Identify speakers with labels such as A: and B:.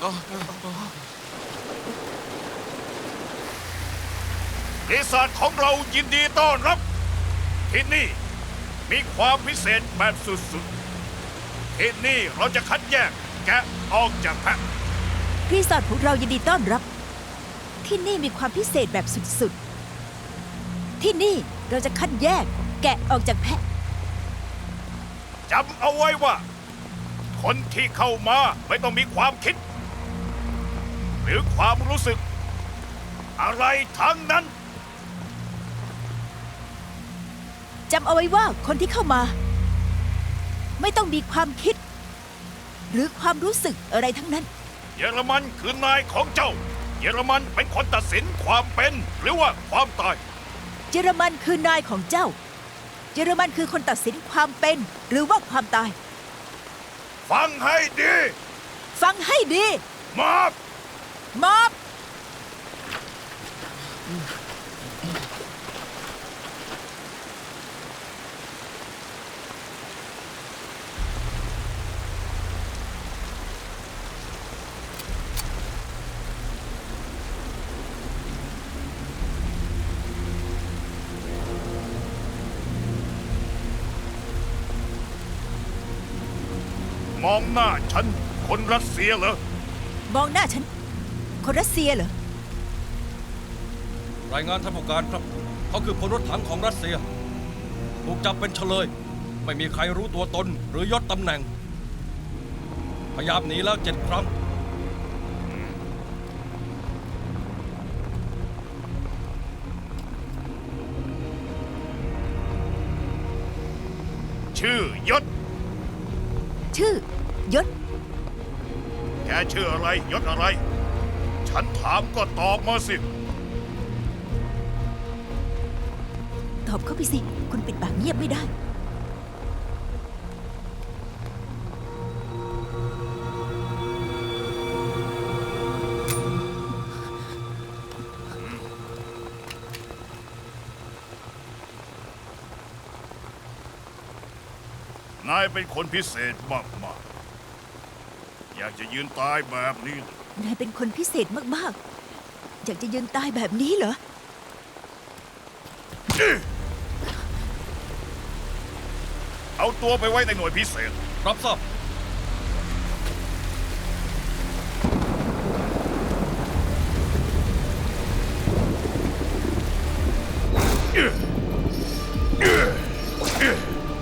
A: ปีศาจของเรายินดีต้อนรับที่นี่มีความพิเศษแบบสุดๆที่นี่เราจะคัดแยกแกะออกจากแพะ
B: รีสอร์ทของเรายินดีต้อนรับ ที่นี่มีความพิเศษแบบสุดๆ ที่นี่เราจะคัดแยกแกะออกจากแพะ
A: จำเอาไว้ว่า คนที่เข้ามาไม่ต้องมีความคิด หรือความรู้สึก อะไรทั้งนั้น
B: จำเอาไว้ว่าคนที่เข้ามา ไม่ต้องมีความคิด หรือความรู้สึกอะไรทั้งนั้น
A: เยอรมันคือนายของเจ้า เยอรมันเป็นคนตัดสินความเป็นหรือว่าความตาย
B: เยอรมันคือนายของเจ้า เยอรมันคือคนตัดสินความเป็นหรือว่าความตาย
A: ฟังให้ดี
B: ฟังให้ดี
A: มอบ
B: มอบ
A: มองหน้าฉันคนรัสเซียเหรอ
B: มองหน้าฉัน คนรัสเซียเหรอ
C: รายงานท่านผู้การครับ เขาคือพลรถถังของรัสเซีย ถูกจับเป็นเฉลย ไม่มีใครรู้ตัวตนหรือยศตำแหน่ง พยายามหนีแล้ว7 ครั้ง
A: ชื่อยศ
B: ชื่อยศ
A: แกชื่ออะไรยศอะไร ฉันถามก็ตอบมาสิ
B: ตอบเข้าไปสิ คุณปิดปากเงียบไม่ได้
A: นายเป็นคนพิเศษมากๆ อยากจะยืนตายแบบนี้เหรอน
B: ายเป็นคนพิเศษมากๆ อยากจะยืนตายแบบนี้เหรอ
A: เอาตัวไปไว้ในหน่วยพิเศษ
C: รับทราบ